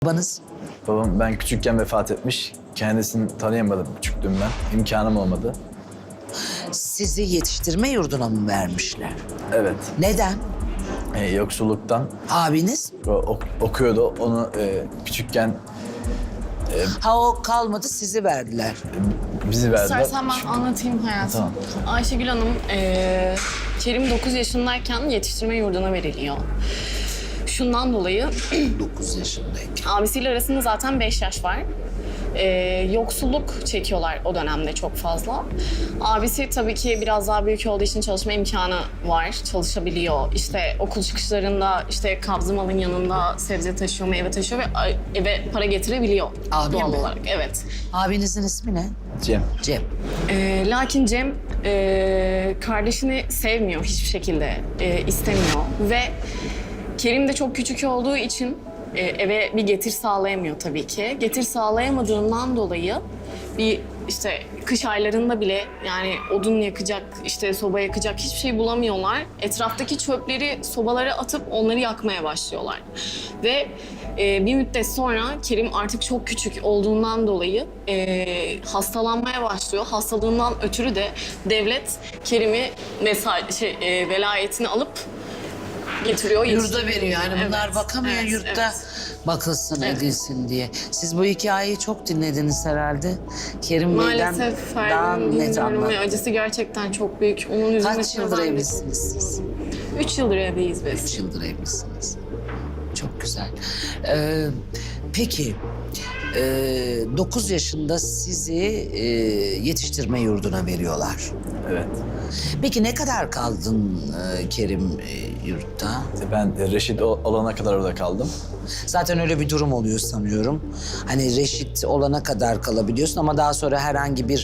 Babanız? Babam ben küçükken vefat etmiş. Kendisini tanıyamadım küçüklüğümden. İmkanım olmadı. Sizi yetiştirme yurduna mı vermişler? Evet. Neden? Yoksulluktan Abiniz? okuyordu. Onu küçükken Ha o kalmadı sizi verdiler. bizi verdiler. İstersen ben anlatayım hayatım. Tamam. Ayşegül Hanım, Kerim 9 yaşındayken yetiştirme yurduna veriliyor. Şundan dolayı 9 yaşındayken. abisiyle arasında zaten 5 yaş var. Yoksulluk çekiyorlar o dönemde çok fazla. Abisi tabii ki biraz daha büyük olduğu için çalışma imkanı var, çalışabiliyor. İşte okul çıkışlarında işte kabzı malın yanında sebze taşıyor, meyve taşıyor ve eve para getirebiliyor Abi doğal mi? olarak. Evet. Abinizin ismi ne? Cem. Cem. Lakin Cem kardeşini sevmiyor hiçbir şekilde, istemiyor ve Kerim de çok küçük olduğu için eve bir getir sağlayamıyor tabii ki. Getir sağlayamadığından dolayı bir işte kış aylarında bile yani odun yakacak, işte soba yakacak hiçbir şey bulamıyorlar. Etraftaki çöpleri sobalara atıp onları yakmaya başlıyorlar. Ve bir müddet sonra Kerim artık çok küçük olduğundan dolayı hastalanmaya başlıyor. Hastalığından ötürü de devlet Kerim'i velayetini alıp getiriyor. Yurda veriyor yani bunlar Evet, bakamıyor evet, yurtta evet. bakılsın Evet. edilsin diye. Siz bu hikayeyi çok dinlediniz herhalde. Kerim Bey'den Maalesef daha Ferdi'nin net bilmiyorum ve anlat. acısı gerçekten çok büyük. Onun üzülmesine Kaç yıldır ben de- evlisiniz siz? 3 yıldır evliyiz biz. 3 yıldır evlisiniz. Çok güzel. Peki 9 yaşında sizi yetiştirme yurduna veriyorlar. Evet. Peki ne kadar kaldın Kerim yurtta? Ben reşit olana kadar orada kaldım. Zaten öyle bir durum oluyor sanıyorum. Hani reşit olana kadar kalabiliyorsun ama daha sonra herhangi bir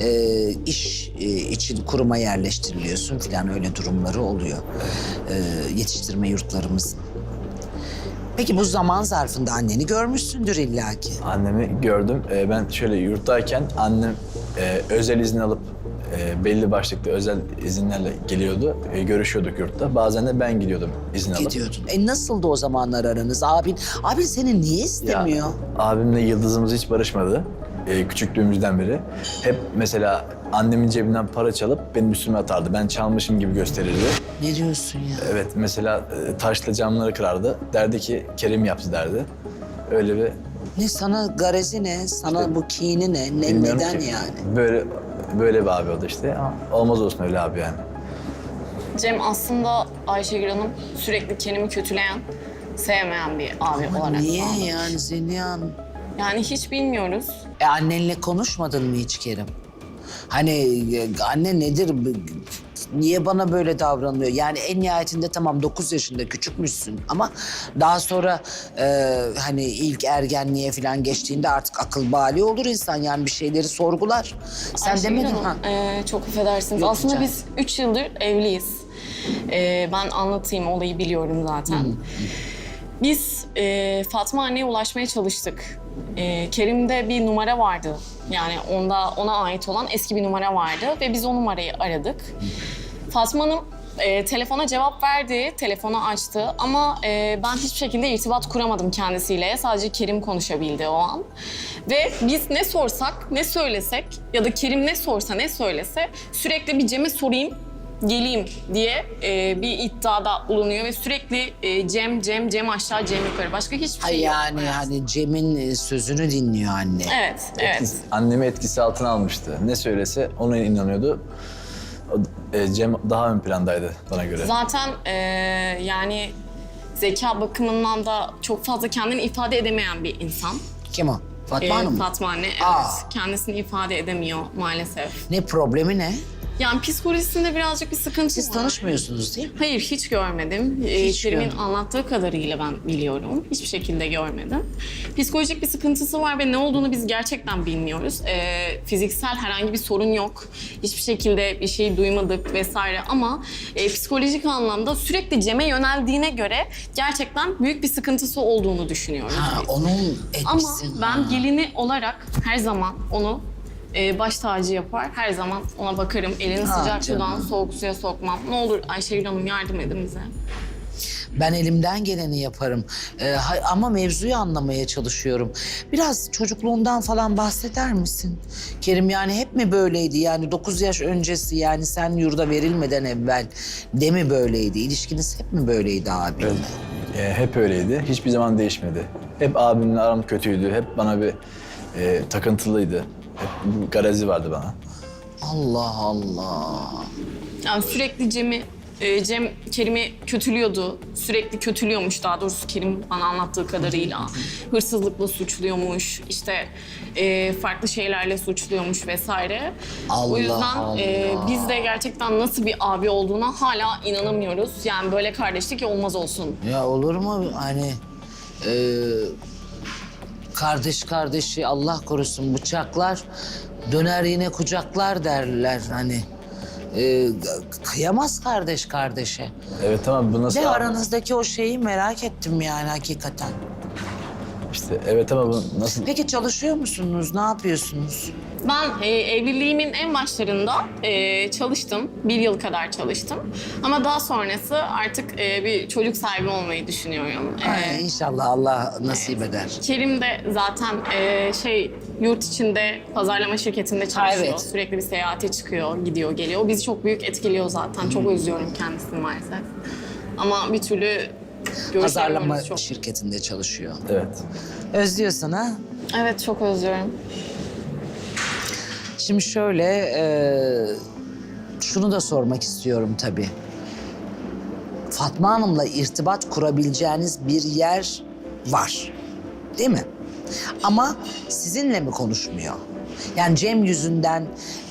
iş için kuruma yerleştiriliyorsun falan öyle durumları oluyor. Yetiştirme yurtlarımızın. Peki bu zaman zarfında anneni görmüşsündür illaki. Annemi gördüm. Ben şöyle yurttayken annem özel izin alıp belli başlıklı özel izinlerle geliyordu. Görüşüyorduk yurtta. Bazen de ben gidiyordum izin alıp. Gidiyordun. Nasıldı o zamanlar aranız? Abin seni niye istemiyor? Ya, abimle yıldızımız hiç barışmadı. Küçüklüğümüzden beri. Hep mesela annemin cebinden para çalıp benim üstüme atardı. Ben çalmışım gibi gösterirdi. Ne diyorsun ya? Evet, mesela taşla camları kırardı. Derdi ki Kerim yaptı derdi. Öyle bir Ne sana garezi ne? Sana İşte bu kini ne? bilmiyorum Neden ki. yani? Böyle bir abi oldu işte. Ama olmaz olsun öyle abi yani. Cem aslında Ayşegül Hanım sürekli Kerim'i kötüleyen, sevmeyen bir abi Ama olarak. niye anladım. yani Zeliha Hanım? Yani hiç bilmiyoruz. Annenle konuşmadın mı hiç Kerim? Hani anne nedir? Niye bana böyle davranıyor? Yani en nihayetinde tamam 9 yaşında küçükmüşsün ama daha sonra hani ilk ergenliğe falan geçtiğinde artık akıl bali olur insan yani bir şeyleri sorgular. Sen Ayşegül demedin Hanım, ha? çok affedersiniz. Yok, Aslında rica biz 3 yıldır evliyiz. Ben anlatayım, olayı biliyorum zaten. Biz Fatma anneye ulaşmaya çalıştık. Kerim'de bir numara vardı. Yani ona ait olan eski bir numara vardı ve biz o numarayı aradık. Fatma Hanım telefona cevap verdi, telefonu açtı ama ben hiçbir şekilde irtibat kuramadım kendisiyle. Sadece Kerim konuşabildi o an. Ve biz ne sorsak, ne söylesek ya da Kerim ne sorsa, ne söylese sürekli bir Cem'e sorayım, geleyim diye bir iddiada bulunuyor ve sürekli Cem aşağı, Cem yukarı. Başka hiçbir Ay şey yok. yani hani Cem'in sözünü dinliyor anne. Evet, evet. Annemi etkisi altına almıştı. Ne söylese ona inanıyordu. Cem daha ön plandaydı bana göre. Zaten yani zeka bakımından da çok fazla kendini ifade edemeyen bir insan. Kim o? Fatma Hanım mı? Fatma anne, evet. Aa. Kendisini ifade edemiyor maalesef. Ne problemi ne? Yani psikolojisinde birazcık bir sıkıntı Siz var. tanışmıyorsunuz değil mi? Hayır, hiç görmedim. Hiç Kerim'in görmedim. anlattığı kadarıyla ben biliyorum. Hiçbir şekilde görmedim. Psikolojik bir sıkıntısı var ve ne olduğunu biz gerçekten bilmiyoruz. Fiziksel herhangi bir sorun yok. Hiçbir şekilde bir şey duymadık vesaire ama psikolojik anlamda sürekli Cem'e yöneldiğine göre gerçekten büyük bir sıkıntısı olduğunu düşünüyoruz Ha, biz. onun Ama etkisi. ben gelini olarak her zaman onu baş tacı yapar. Her zaman ona bakarım. Elini Ha, sıcak canım. sudan soğuk suya sokmam. Ne olur Ayşegül Hanım yardım edin bize. Ben elimden geleni yaparım. Ama mevzuyu anlamaya çalışıyorum. Biraz çocukluğundan falan bahseder misin? Kerim yani hep mi böyleydi? Yani 9 yaş öncesi yani sen yurda verilmeden evvel de mi böyleydi? İlişkiniz hep mi böyleydi abinle? Hep öyleydi. Hiçbir zaman değişmedi. Hep abimle aram kötüydü. Hep bana bir takıntılıydı. Hep bir garezi vardı bana. Allah Allah. Yani sürekli Cem Kerim'i kötülüyordu. Sürekli kötülüyormuş daha doğrusu Kerim bana anlattığı kadarıyla. Hırsızlıkla suçluyormuş, işte farklı şeylerle suçluyormuş vesaire. Allah O yüzden Allah. biz de gerçekten nasıl bir abi olduğuna hala inanamıyoruz. Yani böyle kardeşlik olmaz olsun. Ya olur mu hani kardeş kardeşi Allah korusun bıçaklar döner yine kucaklar derler hani. Kıyamaz kardeş kardeşe. Evet ama bu nasıl... De aranızdaki o şeyi merak ettim yani hakikaten. İşte evet ama bu nasıl... Peki çalışıyor musunuz? Ne yapıyorsunuz? Ben evliliğimin en başlarında çalıştım. 1 yıl kadar çalıştım. Ama daha sonrası artık bir çocuk sahibi olmayı düşünüyorum. İnşallah Allah nasip eder. Kerim de zaten yurt içinde pazarlama şirketinde çalışıyor. Evet. Sürekli bir seyahate çıkıyor, gidiyor, geliyor. O bizi çok büyük etkiliyor zaten. Çok özlüyorum kendisini maalesef. Ama bir türlü Pazarlama görüşemiyoruz çok. şirketinde çalışıyor. Evet. Özlüyorsun ha? Evet, çok özlüyorum. Şimdi şöyle, şunu da sormak istiyorum tabii. Fatma Hanım'la irtibat kurabileceğiniz bir yer var, değil mi? Ama sizinle mi konuşmuyor? Yani Cem yüzünden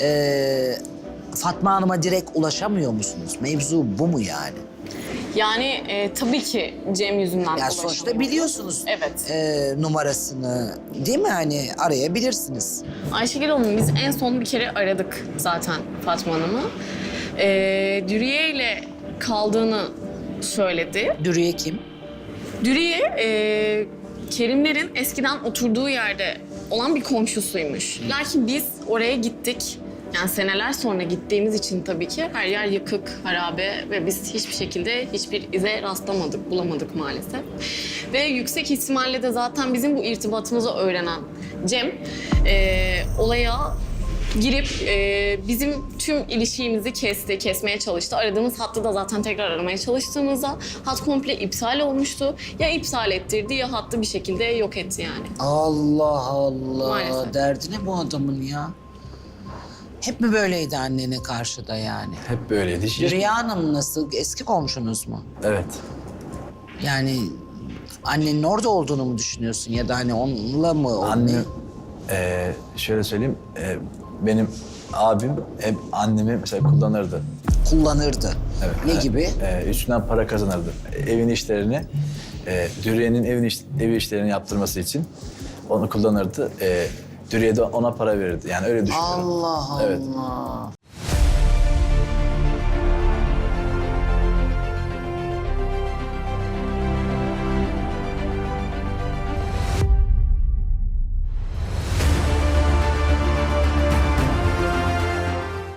Fatma Hanım'a direkt ulaşamıyor musunuz? Mevzu bu mu yani? Yani tabii ki Cem yüzünden Yani ulaşamıyorum. sonuçta biliyorsunuz Evet. numarasını, değil mi? Hani arayabilirsiniz. Ayşegül Hanım biz en son bir kere aradık zaten Fatma Hanım'ı. Dürüye ile kaldığını söyledi. Dürüye kim? Dürüye Kerimlerin eskiden oturduğu yerde olan bir komşusuymuş. Lakin biz oraya gittik. Yani seneler sonra gittiğimiz için tabii ki her yer yıkık, harabe ve biz hiçbir şekilde hiçbir ize rastlamadık, bulamadık maalesef. Ve yüksek ihtimalle de zaten bizim bu irtibatımızı öğrenen Cem olaya girip bizim tüm ilişkimizi kesmeye çalıştı. Aradığımız hattı da zaten tekrar aramaya çalıştığımızda hat komple iptal olmuştu. Ya iptal ettirdi ya hattı bir şekilde yok etti yani. Allah Allah. Maalesef. Derdi ne bu adamın ya? Hep mi böyleydi annene karşı da yani? Hep böyleydi. Rüya Hanım nasıl? Eski komşunuz mu? Evet. Yani annenin orada olduğunu mu düşünüyorsun ya da hani onunla mı? Anne, şöyle söyleyeyim, benim abim hep annemi mesela kullanırdı. Kullanırdı. Evet. Ne gibi? Üstünden para kazanırdı. Evin işlerini, Dürüye'nin ev işlerini yaptırması için onu kullanırdı. Dürüye de ona para verirdi. Yani öyle düşünüyorum. Allah Evet. Allah.